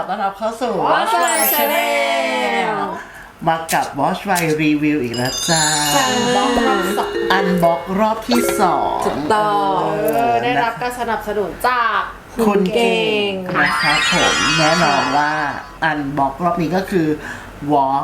ต้อนรับเข้าสู่ Watch My Channel มากับ Watch My Review อีกแล้วจ้า อันบ็อกรอบที่2 ถูกต้องได้รับการสนับสนุนจากคุณเก่งนะครับผมแน่นอนว่าอันบ็อกรอบนี้ก็คือ Walk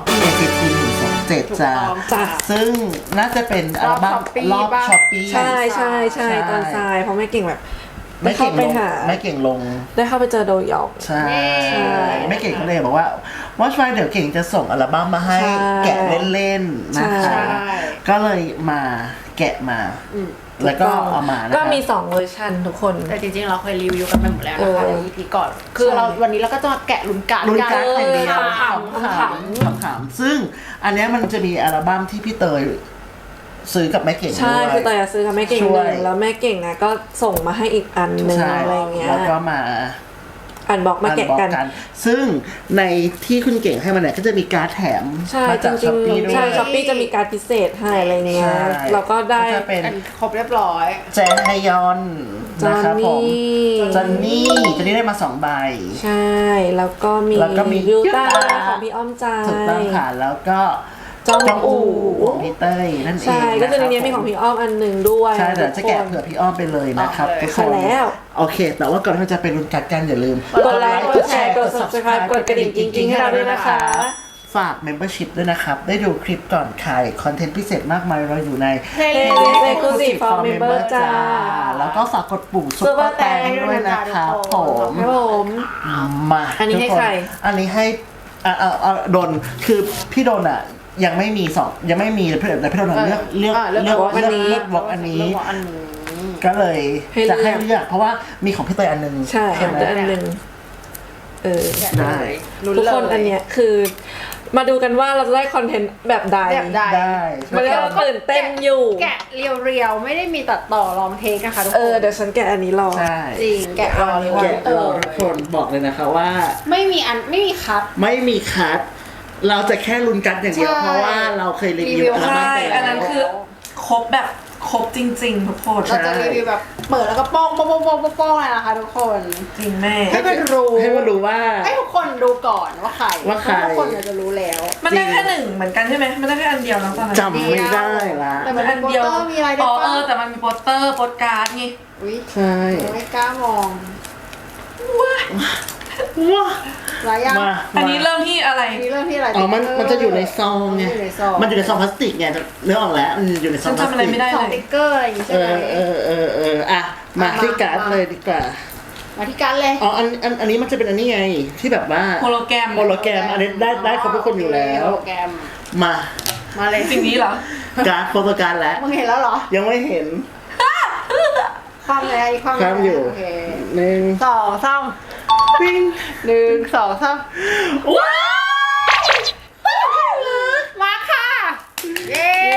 A15-27 จ้าซึ่งน่าจะเป็นอัลบั้มรอบช้อปปี้ใช่ตอนทรายเพราะไม่เก่งแบบไม่เก่งลงได้เข้าไปเจอโดยองใช่ไม่เก่งก็เลยบอกว่า Watch My เดี๋ยวเก่งจะส่งอัลบั้มมาให้แกะเล่นๆนะคะก็เลยมาแกะมาแล้วก็เอามานะคะก็มี2เวอร์ชันทุกคนแต่จริงๆเราเคยรีวิวกันไปหมดแล้วนะคะใน EP ก่อนคือเราวันนี้เราก็จะมาแกะลุ้นการ์ดลุ้นการ์ดแข่งเดียวขำๆซึ่งอันนี้มันจะมีอัลบั้มที่พี่เตยซื้อกับแม่เก่งใช่คือเตยซื้อกับแม่เก่งช่หวยนึ่งแล้วแม่เก่งนะก็ส่งมาให้อีกอันหนึ่งใช่อะไรเงี้ยแล้วก็มาอันบอกมาแกะกันซึ่งในที่คุณเก่งให้มันเนี่ยก็จะมีการ์ดแถมใช่มาจจากริช้อง ปปี้ด้วๆใช่ยช้อปปี้จะมีการดพิเศษให้อะไรเงี้ยใช่เราก็ได้จะเป็นครบเรียบร้อยแจนไฮยอนจอนะนครับผมนี่จอนนี่ได้มา2 ใบใช่แล้วก็มีแล้วก็มียูต้ายูต้าของพี่อ้อมใจถูกต้องค่ะแล้วก็จองอู่ของพี่เต้ยนั่นเองใช่ก็จะในรับนี้มีของพี่อ้อมอันหนึ่งด้วยใช่เดี๋ยวจะแกะเผื่อพี่อ้อมไปเลยนะครับทุกคค่ะนแล้วโอเค แต่ว่าก่อนที่เราจะไปลุ้นกัดกันอย่าลืมกดไลค์กดแชร์กด subscribe กดกระดิ่งจริงๆให้เราด้วยนะคะฝาก membership ด้วยนะครับ ได้ดูคลิปก่อนใครคอนเทนต์พิเศษมากมายเราอยู่ใน Playlist Exclusive for Member จ้าแล้วก็ฝากกดปุ่มซุปเปอร์แตงด้วยนะครับผมครับผมมาอันนี้ให้ทุกใครอันนี้ให้ดนคือพี่ดนอ่ะยังไม่มียังไม่มีเพื่อนแต่พี่ดนเลือกวอล์กอันนี้ ก็เลยจะให้เลือกเพราะว่ามีของพี่เตยอันนึงใช่ไหมอันหนึ่งได้ทุกคนอันเนี้ยคือมาดูกันว่าเราจะได้คอนเทนต์แบบใดได้มันก็ตื่นเต้นอยู่แกะเรียวๆไม่ได้มีตัดต่อลองเทคนะคะทุกคนเดี๋ยวฉันแกะอันนี้รอใช่จริงแกะรอเลยว่าแกะรอทุกคนบอกเลยนะคะว่าไม่มีคัทไม่มีคัทเราจะแค่ลุ้นกัดอย่างเดียวใช่เพราะว่าเราเคยรีวิวรีวิวอัลบั้มไปอันแล้นั้นวคือครบแบบครบจริงๆทุกคนเราจะรีวิวแบบเปิดแล้วก็ป้องเลยนะคะทุกคนจริงแม่ให้มันรู้ให้มันรู้ว่าให้ทุกคนดูก่อนว่าใครว่าใครทุกคนจะรู้แล้วมันได้แค่หนึ่งเหมือนกันใช่ไหมมันได้แค่อันเดียวแล้วตอนนั้นจำไม่ได้ละแต่มันเป็นโปสเตอร์มีอะไรด้วยป่ะแต่มันมีโปสเตอร์โปสการ์ดไงอุ้ยใช่ไม่กล้ามองว้าหลายอย่างมาอันนี้เริ่มที่อะไรอันนี้เริ่มที่อะไรอ๋อมันจะอยู่ในซองไงอยู่ในซองมันอยู่ในซองพลาสติกไงเนื้อออกแล้วมันอยู่ในซฉัองนพลาสทำอะไรติกไม่ได้สอเลงยติ๊กเกอร์อะไรอย่างงี้ใช่เอไหมอ่ะมาที่การ์ดเลยดีกว่ามาที่การเลยอ๋ออันนี้มันจะเป็นอันนี้ไงที่แบบว่าโฮโลแกรมอันนี้ได้ครบทุกคนอยู่แล้วโปรแกรมมามาเลยสิ่งนี้เหรอการ์ดโฟโต้การ์ดแล้วมึงเห็นแล้วเหรอยังไม่เห็นความอะไรอีกความความอยู่โอเค 1 2 3 ปิ้ง 1 2 3 ว้าวมาค่ะเย้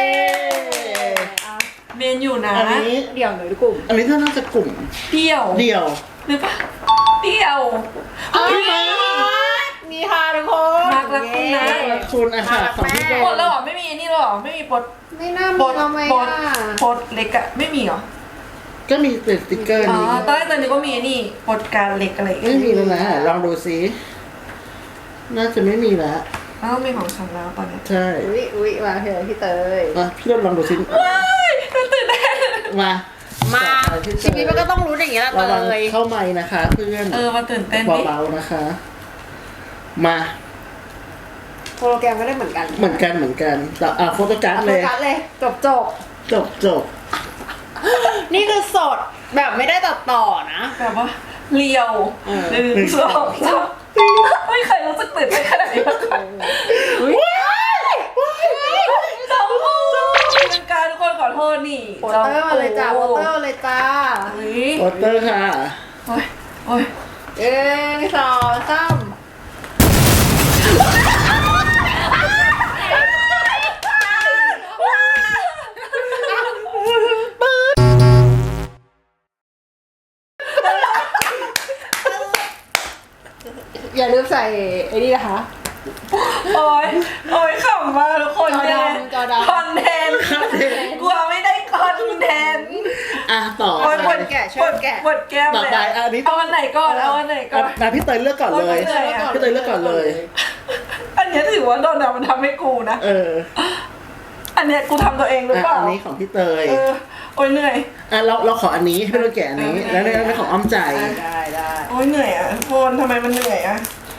เมนอยู่นะอันนี้เดี๋ยวหน่อยดูกลุ่มอันนี้น่าจะกลุ่มเดี่ยวเดี่ยวหรือปะเดี่ยวพี่มามีค่ะทุกคนมากรักคุณนะคุณอาหารของพี่โดหมดแล้วเหรอไม่มีอันนี้แล้วเหรอไม่มีโปสไม่น่าโปมีสทำไมโปสอ่ะโปสเล็กอะไม่มีเหรอก็มีเป็นสติ๊กเกอร์อ๋อนี้ตอนแรกตอนนี้ก็มีอันนี่โปสการดเล็กอะไรไม่มีแล้วนะลองดูซิน่าจะไม่มีแล้วแล้วก็มีของฉันแล้วตอนนี้ใช่อุ๊ยมาเถอะพี่เตยมาพี่โดลองดูซิตื่นเต้นมาชีวิตมันก็ต้องรู้อย่างนี้แหละเตระวังยเข้าไม้นะคะเพื่อนมาตื่นเต้นดิเบาๆนะคะ มาโปรแกรมก็ได้เหมือนกันเหมือนกันแต่โฟโต้การ์ดโฟเลยกัสเลยจบ นี่คือสดแบบไม่ได้ตัดต่อนะแบบว่าเรียว1 2 3ไม่เคยรู้สึกตื่นเต้นขนาดนี้มาก่อนจอมพูเป็นการทุกคนขอโทษนี่โปสเตอร์มาเลยจ้าโปสเตอร์เลยจ้าโปสเตอร์ค่ะโอ้ยโอ้ย 1 2 3 อย่าลืมใส่ไอ้นี่นะคะโอ้ยขำมากทุกคนจอดำคอนเทนต์กลัวไม่ได้คอนเทนต์ออ่ะต่อช่วยแกะช่วยแกะปวดแก้มต่อเลยไปอันนี้เอาอันไหนก่อนเอาอันไหนก่อนนะพี่เตยเลือกก่อนเลยโอ๊ยพี่เตยอะพี่เตยเลือกก่อนเลยอันเนี้ยถือว่าโดนมันทำให้กูนะ อันเนี้ยกูทำตัวเองหรือเปล่าอันนี้ของพี่เตยโอ้ยเหนื่อยเราขออันนี้ให้พี่โดนแกะอันนี้ แล้วในของอ้อมใจได้โอ้ยเหนื่อยอ่ะโฟนทำไมมันเหนื่อยอ่ะ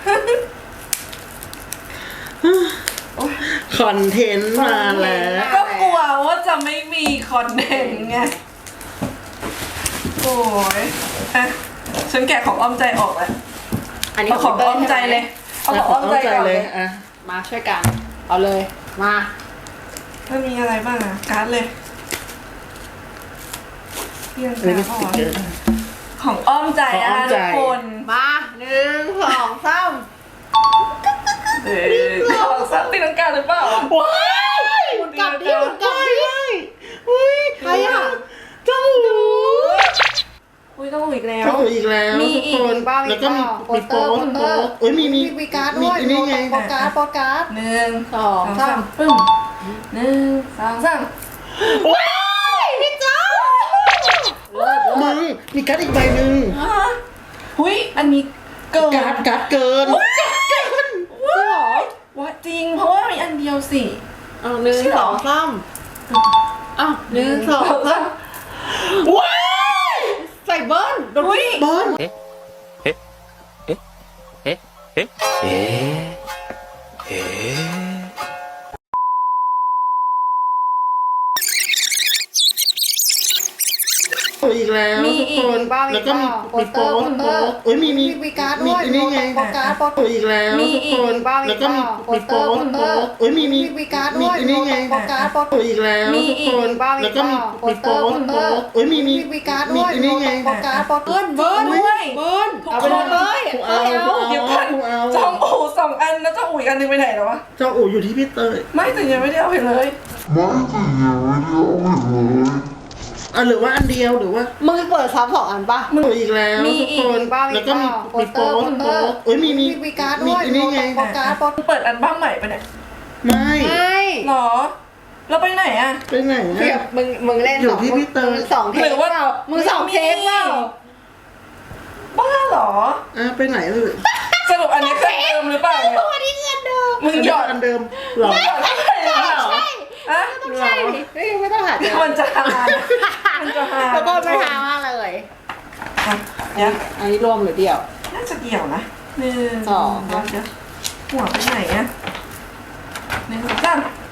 คอนเทนต์มาแล้วก็กลัวว่าจะไม่มีคอนเทนต์ไง โอ้ยอ่ะฉันแกะของอ้อมใจออกแล้วอันนี้เอาของอ้อมใจเลย เอาของอ้อมใจก่อนเลยอ่ะมาช่วยกันเอาเลยมามันมีอะไรบ้างอ่ะ การ์ดเลยเพียงอันนี้เป็นสแต่ติ๊กเกอร์ของอ้อมใจของอ้อมใจทุกคนมา1 2 3 ของซับตีลังกาหรือเปล่าว้ายหมุนกลับดิหมุนกลับดิอุ้ยใครอ่ะเจ้าหนูอุ้ยต้องอีกแล้วเจ้าหนูอีกแล้วมีทุกอีกคนบ้างแล้วก็มีโปสเตอร์โปสเตอร์โอ้ยมีมีการ์ดด้วยมีนี่ไงโปสการ์ดโปสการ์ดหนึ่งสองสามปึ้มหนึ่งสองสามว้ายพี่เจ้ามึงมีการ์ดอีกใบหนึ่งหุ้ยอันนี้เกินการ์ดเกินจริงเหรอว่าจริงเพราะว่ามีอันเดียวสิเอา1 2 3อ้าว1 2 3 ว้ายใส่เบิ้ลอุ้ยบอล อีกแล้วมีทุกอีกคนบ้างแล้วก็มีโปสเตอร์โอ้ยมีมีการ์ดด้วยนี่ไงโปสการ์ดโปสอีกแล้วทุกคนบ้างแล้วก็มีโปสเตอร์โอ้ยมีมีการ์ดด้วยนี่ไงโปสการ์ดโปสอีกแล้วทุกคนบ้างแล้วก็มีโปสเตอร์โอ้ยมีมีการ์ดด้วยนี่ไงโปสการ์ดโปสเบิ้ลด้วย ทุกเอาคไปนเลยกูเอาเดี๋ยวก่อนกูเอาจองอูสองอันแล้วเจ้าอูอีกอันหนึงไปไหนแล้ววะเจ้าอู่อยู่ที่พี่เตยไม่แต่ยังไม่ได้เอาไปเลยหรือว่าอันเดียวหรือว่ามึงเปิดซ้ำ2 อันปะอีกแล้วทุกคนบ้างแล้วก็มีโปสเตอร์โอ้ยมีการ์ดด้วยนี่ไงโปสการ์ดโปสเปิดอันบ้ามใหม่ไปเนี่ยไม่ไม่หรอ เราไปไหนอ่ะไปไหนเดี๋ยวอะมึงเล่นอยู่ที่พี่เตยมึง2 เทหรืปอว่าเปล่ามึง2 เทปเปล่าบ้าเหรอไปไหนเลยสรุปอันนี้เครื่องเดิมหรือเปล่าเนี่ยอันนี้เงินเดิมมึงหยอดอันเดิมหรอหยอดเข้าไปเหรออะต้องใช่ดิเฮ้ยไม่ต้องหาเจอมันจะหามันจะหาแล้วก็ไม่หามากเลยอ่ะเดี๋ยวอันนี้รวมหรือเดี่ยวน่าจะเกี่ยวนะหนึ่งสองเดี๋ยวหัวไปไหนอะหนึ่งสองสาม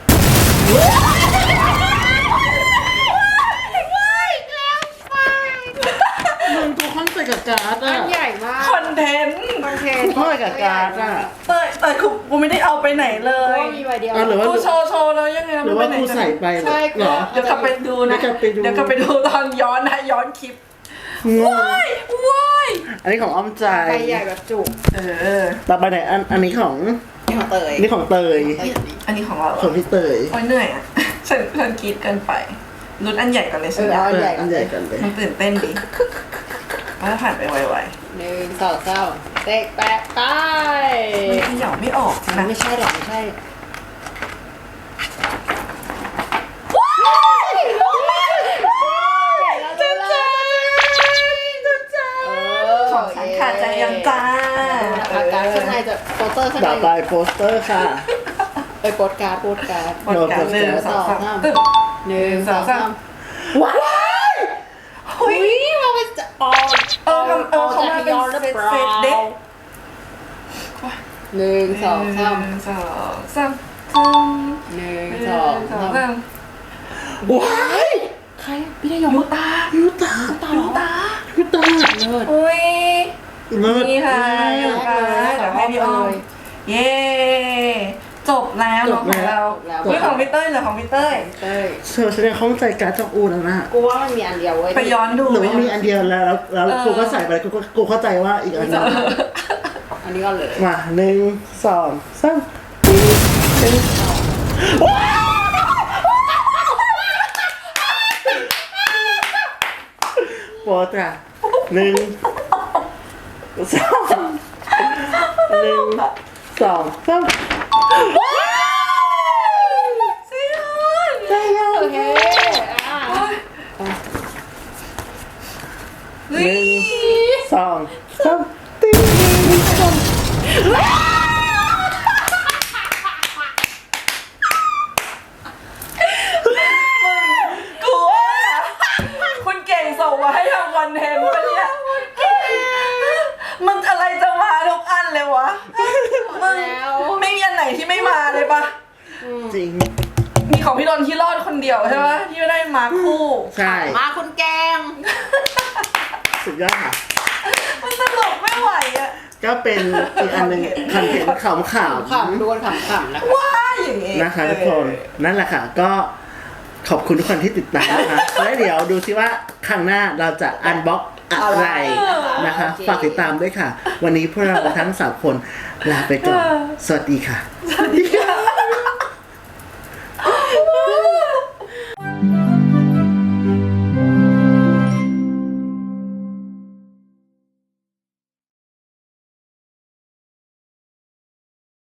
มึงตัวคอนใส่กับการ์ดอัอะนใหญ่มากคอนเทนต์คอนเทนคอนกับการ์ดอะแต่กูไม่ได้เอาไปไหนเลเลย ยมีใบเดียวหรือว่ากูโชว์แล้วยังไงหรือว่ากูใส่ไปใช่เหรอเดี๋ยวกลับไปดูนะเดี๋ยวกลับไปดูเดี๋ยวกลับไปดูตอนย้อนนะย้อนคลิปงงว้ายว้ายอันนี้ของอ้อมใจใบใหญ่แบบจุกต่อไปไหนอันนี้ของนี่ของเตยนี่ของเตยอันนี้ของเราของพี่เตยโอ้ยเหนื่อยอ่ะ ฉันคิดเกินไปลุ้นอันใหญ่ก่อนเลยสิเอาอันใหญ่กันเลยมันตื่นเต้นดีมันจะผ่านไปไว 1 2 3เตะแปะไปๆมันขยับไม่ออกนะไม่ใช่หรอกไม่ใช่ของฉันขาดใจยังจ้าอาการข้างในจะโปสเตอร์ข้างในต่อไปโปสเตอร์ค่ะโปสการ์ดโปสการ์ดหมดการหนึ่งสองสามตึ๊บ 1 2 3 ว้ายเฮ้ยเราเป็นจะออกเขามาเป็นเซตเด็ก 1 2 3 สองสาม 1 2 3 ว้ายใครพี่ได้ยยูกตายูตายูตายูตาเลิศอุ้ยเลิศนี่ค่ะยูตาเดี๋ยวให้พี่อ้อมเย้จบแล้วเนาะของเราเฮ้ยของพี่เต้ยเหรอของพี่เต้ยเต้ยเธอแสดงข้องใจการ์ดจากอูแล้วนะกูว่ามันมีอันเดียวเว้ยไปย้อนดูหรือว่ามีอันเดียวแล้วกูก็ใส่ไปกูเข้าใจว่าอีกอันนึงอันนี้ก็เลยมา1 2 3โปรตรา1 2 1 2 3 ซีออนได้แล้วโอเค 2 3ติ๊งกูว่าคุณเก่งส่งมาให้ทำคอนเทนต์ปะเนี่ยมันอะไรจะมาทุกอันเลยวะมึงไม่มีอันไหนที่ไม่มาเลยปะจริงมีของพี่ดนที่รอดคนเดียวใช่ปะที่ไม่ได้มาคู่ใช่มาคุณแกงสุดยอดค่ะมันตลกไม่ไหวอ่ะก็เป็นอีกอันหนึ่งคอนเทนต์ขำขำดวนขำๆนะคะว้าอย่างงี้ๆนะคะทุกคนนั่นแหละค่ะก็ขอบคุณทุกคนที่ติดตามนะคะแล้วเดี๋ยวดูซิว่าครั้งหน้าเราจะอันบ็อกอะไรนะคะฝากติดตามด้วยค่ะ วันนี้พวกเราทั้ง3คนลาไปก่อนสวัสดีค่ะ